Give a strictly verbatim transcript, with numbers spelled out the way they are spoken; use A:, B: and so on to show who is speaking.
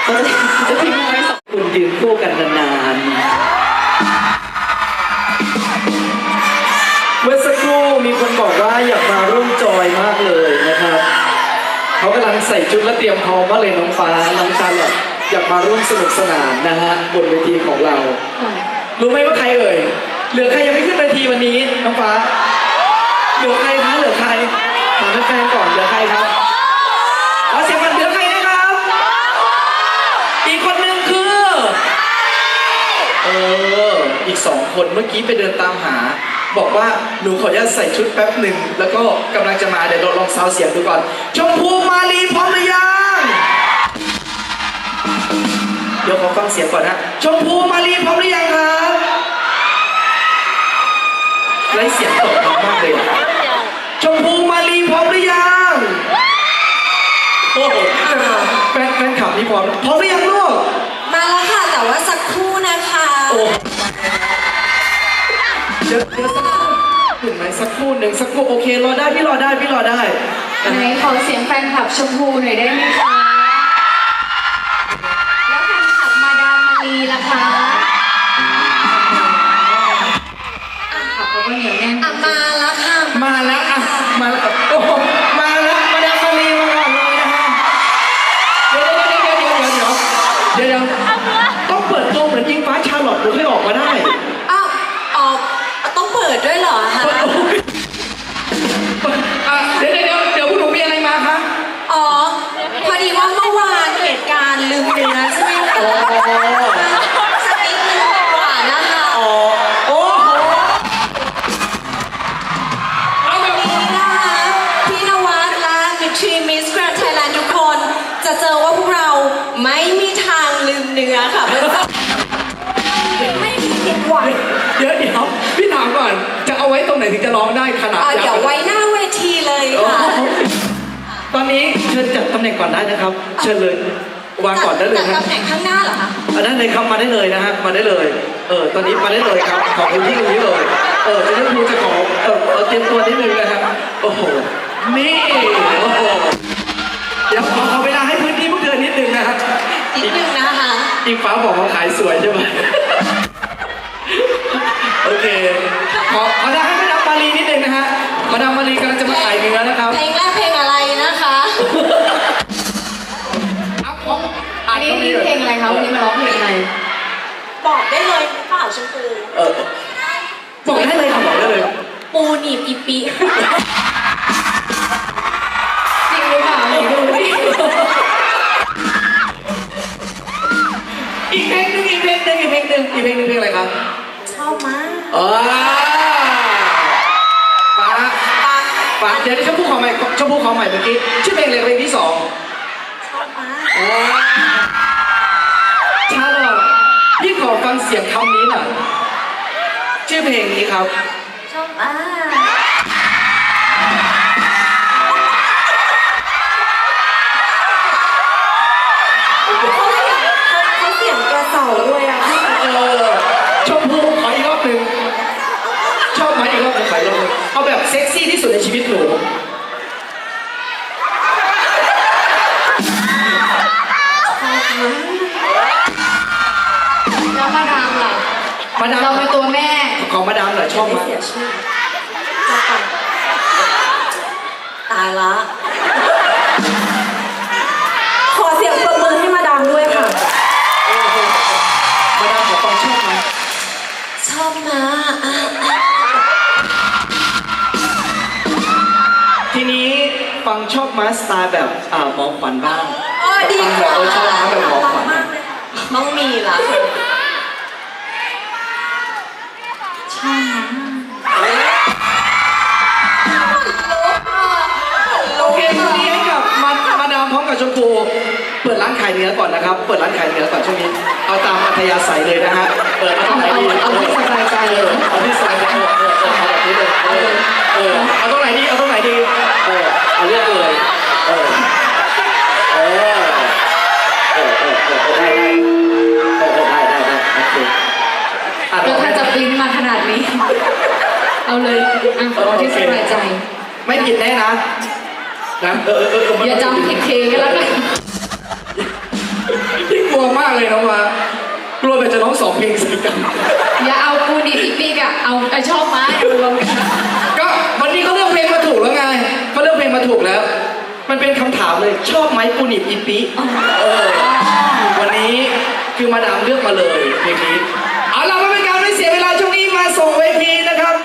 A: เขาจะจะทิ้งไว้สองคุณยืนคู่กันนานๆเมื่อสักครู่มีคนบอกว่าอยากมาร่วมจอยมากเลยนะครับเขากำลังใส่ชุดและเตรียมพร้อมมากเลยน้องฟ้าน้องชาลอตอยากมาร่วมสนุกสนานนะฮะบนเวทีของเรารู้ไหมว่าใครเอ่ยเหลือใครยังไม่ขึ้นเวทีวันนี้น้องฟ้าเหลือใครคะเหลือใครถามแฟนๆก่อนเหลือใครครับขอเสียงกันเหลือใครนะครับอีกคนนึงคือเอออีกสองคนเมื่อกี้ไปเดินตามหาบอกว่าหนูขออนุญาตใส่ชุดแป๊บหนึ่งแล้วก็กำลังจะมาเดี๋ยวเราลองซาวเสียงดูก่อนชมพูมาลีพร้อมหรือยังเดี๋ยวขอฟังเสียงก่อนนะชมพูมาลีพร้อมหรือยังครับไร้เสียงตกดังมากเลยชมพูมาลีพร้อมหรือยังโอ้โหแฟนแฟนขับนี่พร้อมพร้อมหรือยังลูก
B: มาแล้วค่ะแต่ว่าสักครู่นะคะ
A: โอ้เดี๋ยวเดี๋ยวสักครู่ถึงไหมสักครู่หนึ่งสักครู่โอเครอได้พี่รอได้พี่รอได้
C: ไหนขอเสียงแฟนคลับชมพูหน่อยได้ไหมคะแล้วแฟนคลับมาดามมารีล่ะคะขับเขาก็เหนียวแน่น
B: อ่ะมาแล้วค่ะ
A: มาแล้วอ่ะมาแล้วโอ้โหมาแล้วมาดามมารีมาก่อนเลยนะฮะเดี๋ยวเดี๋ยวเดี๋ยวเดี๋ยวเดี๋ยวเดี๋ยวเดี๋ยวต้องเปิดตัวเหมือนยิงฟ้าชาลอตถึงให้ออกมาได้
B: อ้าวออกต้องเปิดด้วยเหรอคะ
A: เดี๋ยวเดี๋ยวเดี๋ยวคุณหนูมีอะไรมาคะ
B: อ๋อพอดีว่าเมื่อวานเหตุการณ์ลืมเนื้อใช่ไหมคะสักนิดนึงกว่านะคะ
A: อ๋อโอ้โหเอาแบบ
B: นี้นะคะพี่นวัดและมิทรีมิสแกรนด์ไทยแลนด์ทุกคนจะเจอว่าพวกเราไม่มีทางลืมเนื้อค่ะไม่มีผิดหวัง
A: เดี๋ยวเดี๋ยวพี่ถามก่อนจะเอาไว้ตรงไหนถึงจะร้องได้ขนาด
B: เดี๋ยวไว้หน้าเวทีเลยค่ะ
A: ตอนนี้เชิญจัดตำแหน่งก่อนได้นะครับเชิญเลยวางก่อนได้เลย
B: นะตำแหน่งข้างหน้าเหรอคะ
A: อันนั้นเลยครับมาได้เลยนะฮะมาได้เลยเออตอนนี้มาได้เลยครับขอพื้นที่ตรงนี้เลยเออจะได้ครูจะขอเออเตรียมตัวนิดนึงนะครับโอ้โหนี่โอ้โหเดี๋ยวขอเวลาให้พื้นที่พวกเธอนิดนึงนะครับ
B: นิดนึงนะคะ
A: อิงฟ้าบอกว่าขายสวยใช่ไหมโอเคขอขอได้ให้มาดามมารีนิดนึงนะฮะมาดามมารีกำลังจะมาขายเนื้อนะครับ
B: เพลงแรกเพลงอะไรนะคะ
C: อันนี้เพลงอะไรคะวันนี้มาร้องเพลงอะไร
B: บอกได้เลยเปล่าชมพู
A: เออบอกได้เลยค่ะบอกได้เลย
B: ปูหนีบอีปี
C: จริงหรือเปล่าดูดิ
A: อีกเพลงหนึ่งอีกเพลงหนึ่งอีกเพลงหนึ่งอีกเพลงหนึ่งเพลงอะไรครับ
B: ชอบมาก
A: อ๋อฟ้าฟ้าเดี๋ยวชมพู่ขอใหม่ชมพู่ขอใหม่เมื่อกี้ชื่อเพลงอะไรเพลงที่สอง
B: ชอบมาก
A: ชาลอตพี่ขอฟังเสียงคำนี้หน่อยชื่อเพลงนี้ครับ
B: ชอบมากเขาเสียงกระเสาด้วยอ่ะ
A: เออชมพู่ขออีกรอบหนึ่งชอบไหมอีกรอบหนึ่งขออีกรอบหนึ่งเอาแบบเซ็กซี่ที่สุดในชีวิตหนู
C: แล้วมาดามล่ะ
A: มาดาม
C: เราเป็นตัวแม่
A: ของมาดามหน่อยชอบไหม
B: ตายละขอเสียงปรบมือให้มาดามด้วยค่ะ
A: มาดามขอฟังชอบไหม
B: ชอบมา
A: ทีนี้ฟังชอบมาสไตล์แบบอ่าหมอขวัญบ้าง
B: ดี
A: ฟังแบบชอบมาแบบหมอขวัญ
B: ต้องมีล่ะ
C: ชอบนะ
A: โอเคตอนนี้ให้กับมามาดามพร้อมกับชมพูเปิดร้านขายเนื้อก่อนนะครับเปิดร้านขายเนื้อก่อนช่วงนี้เอาตามอัธยาศัยเลยนะฮะเปิดเอาตรงไหนดี
C: เอาที่สบายใจเลย
A: เอาที่สบายใจเออเออเอาแบบนี้เลยเออเออเอาตรงไหนดีเอาตรงไหนดีเออเอาเลือกเลยเออเออเออเออเออได้ได้เออได้ได้ได้โอเค
C: แล้วถ้าจะปริ้นมาขนาดนี้เอาเลยอ่ะเอาที่สบายใจ
A: ไม่ผิดแน่นะนะเออเออเออ
C: อย่าจำผิดเพลงกันแล้วกัน
A: เลยน้องฟ้ากลัวแบบจะร้องสองเพลงใส่กัน
C: อย่าเอาปูดิบอีปีกอะเอาไอชอบไม้เอาลง
A: ก็วันนี้เขาเลือกเพลงมาถูกแล้วไงเขาเลือกเพลงมาถูกแล้ว มันเป็นคำถามเลยชอบไหมปูนิบอีปิเออวันนี้คือมาดามเลือกมาเลยเพลงนี้เอาล่ะไม่เป็นการไม่เสียเวลาช่วงนี้มาส่งเวทีนะครับ